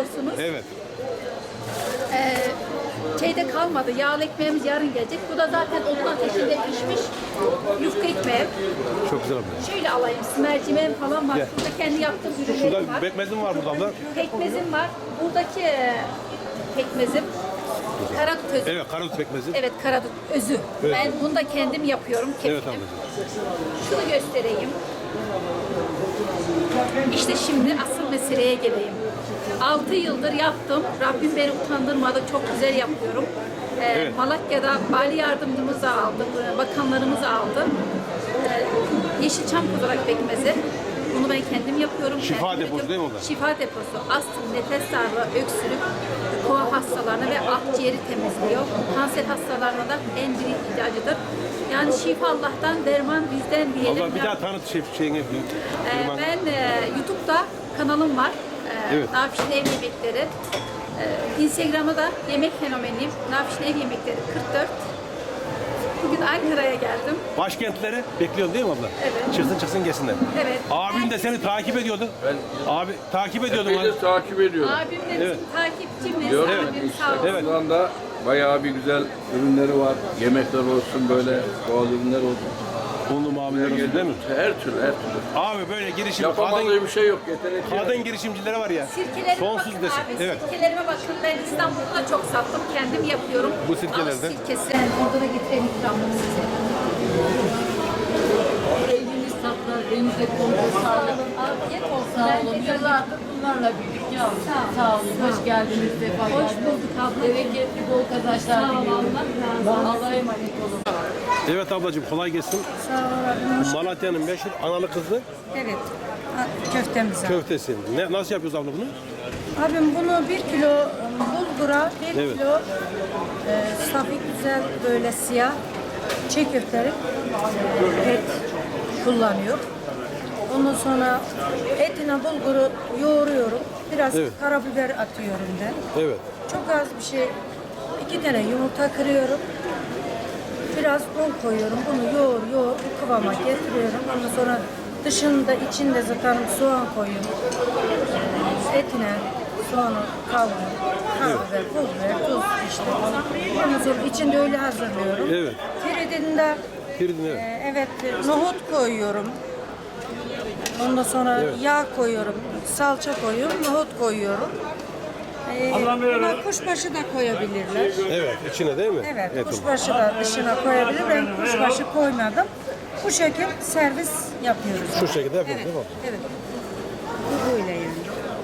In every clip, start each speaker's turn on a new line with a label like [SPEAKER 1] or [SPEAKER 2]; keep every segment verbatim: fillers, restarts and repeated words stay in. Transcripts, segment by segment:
[SPEAKER 1] olsunuz.
[SPEAKER 2] Evet.
[SPEAKER 1] Ee, şeyde kalmadı. Yağlı ekmeğimiz yarın gelecek. Bu da zaten odun ateşinde pişmiş yufka ekmeği.
[SPEAKER 2] Çok güzel abla.
[SPEAKER 1] Şöyle alayım. Mercimeğim falan var.
[SPEAKER 2] Gel.
[SPEAKER 1] Burada kendi yaptığım ürünlerim
[SPEAKER 2] Şurada
[SPEAKER 1] var.
[SPEAKER 2] pekmezim var burada abla.
[SPEAKER 1] Pekmezim var. Buradaki e, pekmezim karadut özü.
[SPEAKER 2] Evet, karadut pekmezi.
[SPEAKER 1] Evet, karadut özü.
[SPEAKER 2] Evet.
[SPEAKER 1] Ben bunu da kendim yapıyorum. Kefilim.
[SPEAKER 2] Evet ablacığım.
[SPEAKER 1] Şunu göstereyim. İşte şimdi asıl meseleye geleyim. altı yıldır yaptım. Rabbim beni utandırmadı. Çok güzel yapıyorum. Ee,
[SPEAKER 2] Evet.
[SPEAKER 1] Malatya'da vali yardımcımızı aldım. Bakanlarımız aldı. Ee, Yeşilçam kudurak pekmezi. Bunu ben kendim yapıyorum.
[SPEAKER 2] Şifa
[SPEAKER 1] kendim
[SPEAKER 2] deposu
[SPEAKER 1] yapıyorum.
[SPEAKER 2] değil mi o da?
[SPEAKER 1] Şifa deposu. Astım, nefes darlığı, öksürük, kova hastalarına ve akciğeri temizliyor. Kanser hastalarına da en büyük ilacıdır. Yani şifa Allah'tan, derman bizden diyelim.
[SPEAKER 2] Abla bir daha tanıt şey, şeyini.
[SPEAKER 1] Ee, ben e, YouTube'da kanalım var. Ee,
[SPEAKER 2] Evet.
[SPEAKER 1] Nafiş'in Ev Yemekleri. Ee, Instagram'da da yemek fenomeniyim. Nafiş'in Ev Yemekleri kırk dört. Bugün Ankara'ya geldim.
[SPEAKER 2] Başkentleri bekliyorsun değil mi abla?
[SPEAKER 1] Evet.
[SPEAKER 2] Çıksın çıksın gelsinler.
[SPEAKER 1] Evet.
[SPEAKER 2] Abin de seni takip ediyordu.
[SPEAKER 3] Ben
[SPEAKER 2] Abi takip ediyordum.
[SPEAKER 3] epeydir takip ediyorum.
[SPEAKER 1] Abim de bizim
[SPEAKER 2] Evet.
[SPEAKER 1] takipçimiz.
[SPEAKER 3] Diyorum
[SPEAKER 1] Abim
[SPEAKER 3] işte
[SPEAKER 1] sağ olsun.
[SPEAKER 2] Evet.
[SPEAKER 3] şu anda bayağı bir güzel ürünleri var. Yemekler olsun böyle doğal ürünler olsun.
[SPEAKER 2] Onlu muameleler olsun değil mi?
[SPEAKER 3] Her türlü her türlü.
[SPEAKER 2] Abi böyle girişim
[SPEAKER 3] Yapamadığı
[SPEAKER 2] kadın,
[SPEAKER 3] bir şey yok. Yetenekli.
[SPEAKER 2] kadın girişimcilere var ya.
[SPEAKER 1] Sirkelerime
[SPEAKER 2] Sonsuz
[SPEAKER 1] bakın
[SPEAKER 2] desin.
[SPEAKER 1] abi.
[SPEAKER 2] Evet.
[SPEAKER 1] Sirkelerime bakın. Ben İstanbul'da da çok sattım. Kendim yapıyorum.
[SPEAKER 2] Bu sirkelerden?
[SPEAKER 1] Ağız sirkesi. Ben orada da getireyim ikramını size.
[SPEAKER 4] Eliniz tatlı, elinize kontrol sağlık.
[SPEAKER 1] Afiyet olsun.
[SPEAKER 4] Sağ
[SPEAKER 1] Ben
[SPEAKER 4] olun.
[SPEAKER 1] de-
[SPEAKER 4] Yıllardır bunlarla birlik yavrum.
[SPEAKER 1] Sağ olun.
[SPEAKER 4] Sağ olun. Hoş geldiniz. Sefa
[SPEAKER 1] Hoş
[SPEAKER 4] geldiniz.
[SPEAKER 1] bulduk abla.
[SPEAKER 4] Bereketli bol kazançlar
[SPEAKER 1] Sağ ol,
[SPEAKER 4] diliyorum.
[SPEAKER 1] Allah razı olsun.
[SPEAKER 4] Allah'a emanet olun.
[SPEAKER 2] Evet ablacığım kolay gelsin.
[SPEAKER 5] Sağ ol abim.
[SPEAKER 2] Malatya'nın meşhur analı kızlı
[SPEAKER 5] Evet. a- Köftemiz var.
[SPEAKER 2] köftesi. Ne, nasıl yapıyoruz abla bunu?
[SPEAKER 5] Abim bunu bir kilo bulgura, bir
[SPEAKER 2] Evet.
[SPEAKER 5] kilo e, safik güzel böyle siyah çiğ köftelik e, et kullanıyor. Ondan sonra etine bulguru yoğuruyorum. Biraz
[SPEAKER 2] Evet.
[SPEAKER 5] karabiber atıyorum ben.
[SPEAKER 2] Evet.
[SPEAKER 5] Çok az bir şey. İki tane yumurta kırıyorum. Biraz un koyuyorum. Bunu yoğur yoğur bu kıvama getiriyorum. Ondan sonra dışında içinde zaten soğan koyuyorum. Ee, Etine soğanı kavuruyorum. Karabiber, pul biber, tuz işte. Ondan sonra içinde öyle hazırlıyorum.
[SPEAKER 2] Evet.
[SPEAKER 5] Firidinde
[SPEAKER 2] Firidin evet.
[SPEAKER 5] e, evet nohut koyuyorum. Ondan sonra
[SPEAKER 2] Evet.
[SPEAKER 5] yağ koyuyorum. Salça koyuyorum. Nohut koyuyorum. Ee, buna kuşbaşı da koyabilirler.
[SPEAKER 2] Evet içine değil mi?
[SPEAKER 5] Evet,
[SPEAKER 2] Et olur.
[SPEAKER 5] kuşbaşı da dışına koyabilir. Ben kuşbaşı koymadım. Bu şekil servis yapıyoruz.
[SPEAKER 2] Şu şekilde yapıyoruz
[SPEAKER 5] Evet,
[SPEAKER 2] değil mi?
[SPEAKER 5] evet. Bu böyle yani.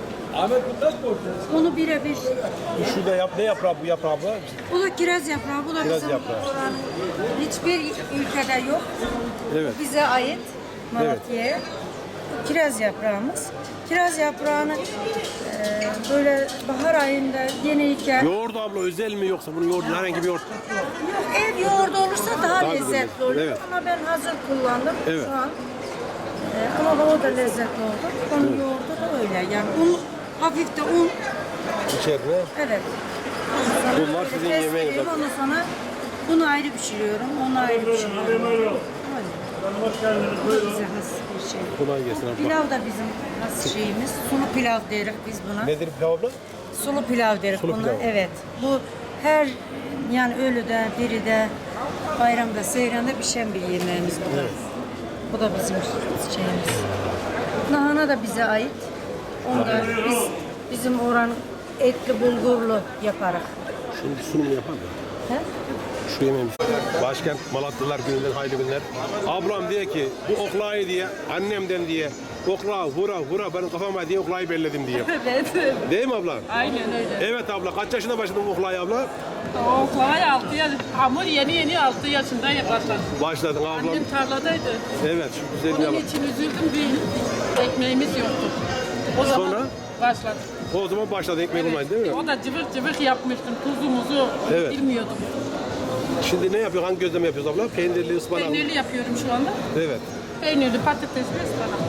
[SPEAKER 5] Bunu birebir.
[SPEAKER 2] Şurada yap, ne yaprağı bu yaprağı abla?
[SPEAKER 5] Bu da kiraz yaprağı. Bu da
[SPEAKER 2] Kiraz
[SPEAKER 5] bizim
[SPEAKER 2] yaprağı.
[SPEAKER 5] hiçbir ülkede yok.
[SPEAKER 2] Evet.
[SPEAKER 5] Bize ait Malatya'ya. Bu kiraz yaprağımız. Kiraz yaprağını e, böyle bahar ayında yeniyken
[SPEAKER 2] Yoğurt abla özel mi yoksa bunun yoğurdu herhangi bir yoğurt?
[SPEAKER 5] ev yoğurdu olursa daha,
[SPEAKER 2] Daha güzel
[SPEAKER 5] lezzetli
[SPEAKER 2] olur.
[SPEAKER 5] olur.
[SPEAKER 2] Evet.
[SPEAKER 5] Ama ben hazır kullandım
[SPEAKER 2] Evet.
[SPEAKER 5] şu an. Ee, ama o da lezzetli oldu. Onun yoğurdu da öyle. Yani un, hafif de un.
[SPEAKER 2] İçeride.
[SPEAKER 5] Evet. Ondan sonra
[SPEAKER 2] Bunlar
[SPEAKER 5] böyle
[SPEAKER 2] sizin yemeğiniz
[SPEAKER 5] kestiriyorum. Ondan sonra bunu ayrı pişiriyorum. Onu ayrı pişiriyorum. Öyle. Bu da bize has bir şey.
[SPEAKER 2] Kolay gelsin abla.
[SPEAKER 5] Pilav da bizim has şeyimiz. Sulu pilav deriz biz buna.
[SPEAKER 2] Nedir pilav abla?
[SPEAKER 5] Sulu pilav deriz
[SPEAKER 2] Sulu
[SPEAKER 5] buna.
[SPEAKER 2] pilav.
[SPEAKER 5] Evet. Bu her yani ölüde, diride, bayramda, seyranda pişen bir yemeğimiz bu da. Bu da bizim şeyimiz. Lahana da bize ait. Onu da biz bizim oran etli bulgurlu yaparak.
[SPEAKER 2] Şimdi sunum yapar mı?
[SPEAKER 5] He?
[SPEAKER 2] Şu yemeğimiz. Başkent Malatyalılar gününden hayırlı günler. Ablam diyor ki bu oklayı diye annemden diye okla vura vura benim kafama diye oklayı belledim diye.
[SPEAKER 4] Evet.
[SPEAKER 2] Değil mi abla?
[SPEAKER 4] Aynen öyle.
[SPEAKER 2] Evet abla. Kaç yaşında başladın bu oklayı abla?
[SPEAKER 4] O kolay altı yaş. Hamur yeni yeni altı yaşında başladı.
[SPEAKER 2] Başladın ablam.
[SPEAKER 4] Annem tarladaydı.
[SPEAKER 2] Evet. Şu güzelliğe
[SPEAKER 4] Onun
[SPEAKER 2] bak.
[SPEAKER 4] için üzüldüm bir ekmeğimiz yoktu. O zaman
[SPEAKER 2] Sonra?
[SPEAKER 4] başladı.
[SPEAKER 2] O zaman başladı ekmek olmayı değil mi?
[SPEAKER 4] O da cıvık cıvık yapmıştım. Tuzumuzu
[SPEAKER 2] Evet.
[SPEAKER 4] bilmiyordum.
[SPEAKER 2] Şimdi ne yapıyor? Hangi gözleme yapıyoruz abla? Peynirli, ıspanaklı.
[SPEAKER 4] Peynirli yapıyorum şu anda.
[SPEAKER 2] Evet.
[SPEAKER 4] Peynirli, patatesli, ıspanak.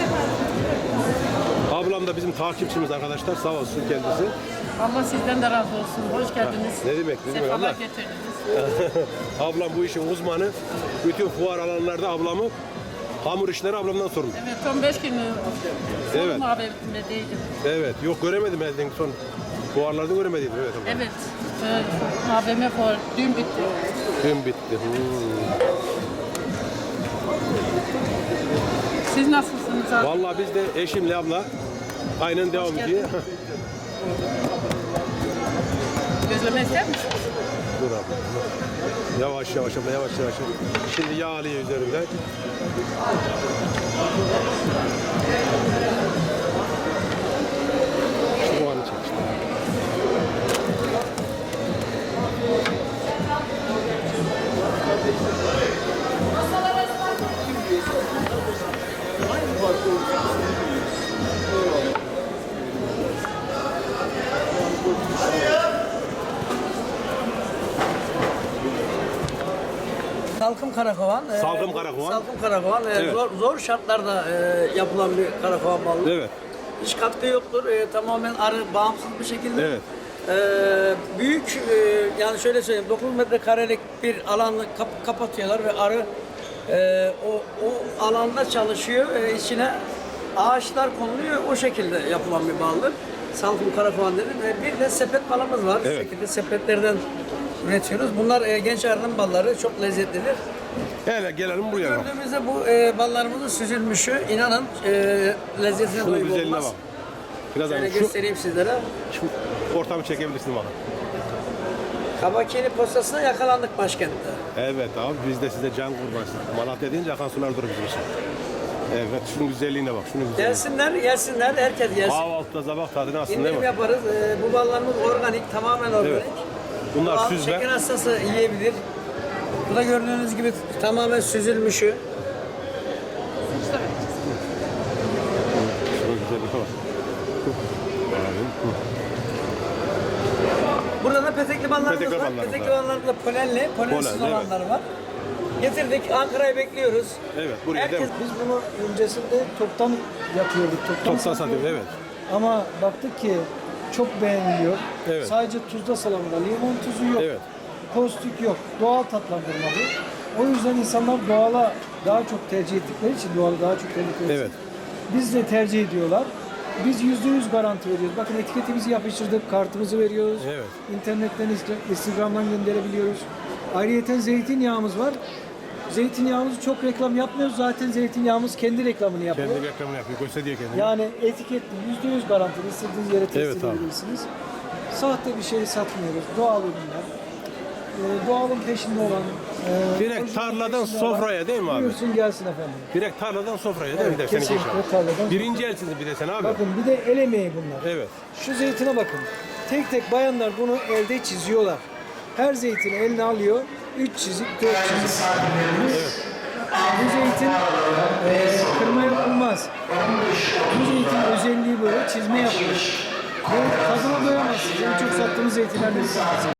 [SPEAKER 2] Ablam da bizim takipçimiz arkadaşlar. Sağ olsun kendisi.
[SPEAKER 4] Allah sizden de razı olsun. Hoş geldiniz.
[SPEAKER 2] Ne demek? Ne demek
[SPEAKER 4] Sefalar
[SPEAKER 2] abla?
[SPEAKER 4] getirdiniz.
[SPEAKER 2] Ablam bu işin uzmanı. Bütün fuar alanlarda ablamı Hamur işleri ablamdan sorun.
[SPEAKER 4] Evet, on beş gün
[SPEAKER 2] Evet.
[SPEAKER 4] evet. Muhabbetindeydim.
[SPEAKER 2] Evet. Yok göremedim ben son. Fuarlarda göremedim. Evet. abla.
[SPEAKER 4] Evet. E, A V M fuarı dün bitti.
[SPEAKER 2] Dün bitti. Hmm.
[SPEAKER 4] Siz nasılsınız abi?
[SPEAKER 2] Vallahi biz de eşimle abla aynen devam ediyor.
[SPEAKER 4] Gözleme ister misiniz?
[SPEAKER 2] Dur abla. Yavaş yavaş abla yavaş yavaş. Şimdi yağ alıyor üzerinden. Şu anı çek işte.
[SPEAKER 6] Salkım karakovan. e,
[SPEAKER 2] Salkım
[SPEAKER 6] bu
[SPEAKER 2] karakovan.
[SPEAKER 6] Salkım karakovan. e,
[SPEAKER 2] Evet.
[SPEAKER 6] zor, zor şartlarda e, yapılan bir karakovan balı.
[SPEAKER 2] Evet.
[SPEAKER 6] Hiç katkı yoktur. E, tamamen arı bağımsız bir şekilde.
[SPEAKER 2] Evet.
[SPEAKER 6] E, büyük e, yani şöyle söyleyeyim dokuz metrekarelik bir alanı kap- kapatıyorlar ve arı e, o, o alanda çalışıyor. E, içine ağaçlar konuluyor. O şekilde yapılan bir baldır. Salkım karakovan dedim. E, bir de sepet balımız var.
[SPEAKER 2] Evet.
[SPEAKER 6] Bu şekilde sepetlerden üretiyoruz. Bunlar e, genç arının balları. Çok lezzetlidir.
[SPEAKER 2] Hele gelelim buraya bak.
[SPEAKER 6] Gördüğümüzde bu e, ballarımızın süzülmüşü inanın e, lezzetine
[SPEAKER 2] Şunun
[SPEAKER 6] doyum
[SPEAKER 2] güzelliğine
[SPEAKER 6] olmaz.
[SPEAKER 2] bak. Biraz
[SPEAKER 6] Şöyle
[SPEAKER 2] hani şu,
[SPEAKER 6] göstereyim sizlere.
[SPEAKER 2] şu ortamı çekebilirsin bana.
[SPEAKER 6] Kabakiyeli postasına yakalandık başkentte.
[SPEAKER 2] Evet abi biz de size can kurbansın. Malatya deyince akan sular durur bizim için. Evet şunun güzelliğine bak. Şunun güzelliğine.
[SPEAKER 6] Gelsinler, gelsinler, herkes gelsin.
[SPEAKER 2] Kahvaltıda sabah tadını alsın değil
[SPEAKER 6] İndirim
[SPEAKER 2] mi?
[SPEAKER 6] yaparız. E, bu ballarımız organik, tamamen organik.
[SPEAKER 2] Evet. Bunlar
[SPEAKER 6] Al,
[SPEAKER 2] süzme.
[SPEAKER 6] Şeker hastası yiyebilir. Bu da gördüğünüz gibi tamamen süzülmüşü.
[SPEAKER 2] Şunun güzelliğine bak. Abi.
[SPEAKER 6] Burada da petekli ballarımız
[SPEAKER 2] Petekli
[SPEAKER 6] var.
[SPEAKER 2] ballarımız
[SPEAKER 6] Petekli
[SPEAKER 2] var.
[SPEAKER 6] ballarımız da polenli, polensiz
[SPEAKER 2] Polen, evet.
[SPEAKER 6] olanları var. Getirdik, Ankara'yı bekliyoruz.
[SPEAKER 2] Evet buraya
[SPEAKER 6] Herkes
[SPEAKER 2] değil mi?
[SPEAKER 7] Biz bunu öncesinde toptan yapıyorduk. Toptan,
[SPEAKER 2] Toptan satıyoruz
[SPEAKER 7] satıyorduk.
[SPEAKER 2] evet.
[SPEAKER 7] Ama baktık ki çok beğeniliyor.
[SPEAKER 2] Evet.
[SPEAKER 7] Sadece tuzda salamura, limon tuzu yok.
[SPEAKER 2] Evet.
[SPEAKER 7] Kostik yok. Doğal tatlandırma bu. O yüzden insanlar doğala daha çok tercih ettikleri için doğalı daha çok tercih ettikleri
[SPEAKER 2] Evet.
[SPEAKER 7] için biz de tercih ediyorlar. Biz yüzde yüz garanti veriyoruz. Bakın etiketimizi yapıştırdık, kartımızı veriyoruz.
[SPEAKER 2] Evet.
[SPEAKER 7] İnternetten, Insta- Instagram'dan gönderebiliyoruz. Ayrıyeten zeytinyağımız var. Zeytinyağımızı çok reklam yapmıyoruz. Zaten zeytinyağımız kendi reklamını yapıyor.
[SPEAKER 2] Kendi reklamını yapıyor. Gösteriyor kendini.
[SPEAKER 7] Yani etiketli, yüzde yüz garantili. İstediğiniz yere
[SPEAKER 2] Evet
[SPEAKER 7] teslim
[SPEAKER 2] abi.
[SPEAKER 7] edebilirsiniz. Sahte bir şey satmıyoruz. Doğal ürünler. Ee, doğalın peşinde olan... E,
[SPEAKER 2] Direkt
[SPEAKER 7] orijinalin
[SPEAKER 2] tarladan
[SPEAKER 7] peşinde olan-
[SPEAKER 2] sofraya değil mi abi?
[SPEAKER 7] Buyursun gelsin efendim.
[SPEAKER 2] Direkt tarladan sofraya değil mi?
[SPEAKER 7] Evet,
[SPEAKER 2] Bir de seninki
[SPEAKER 7] kesinlikle
[SPEAKER 2] inşallah.
[SPEAKER 7] tarladan.
[SPEAKER 2] Birinci elsiniz bir de sen abi.
[SPEAKER 7] Bakın bir de el emeği bunlar.
[SPEAKER 2] Evet.
[SPEAKER 7] Şu zeytine bakın. Tek tek bayanlar bunu elde çiziyorlar. Her zeytini eline alıyor. Üç çizik, dört çizik. Bu, bu zeytin e, kırma yapılmaz. Bu zeytin özelliği böyle çizme yapılır. Ve tadına doyamazsınız. En çok sattığımız zeytinlerden bir tanesi.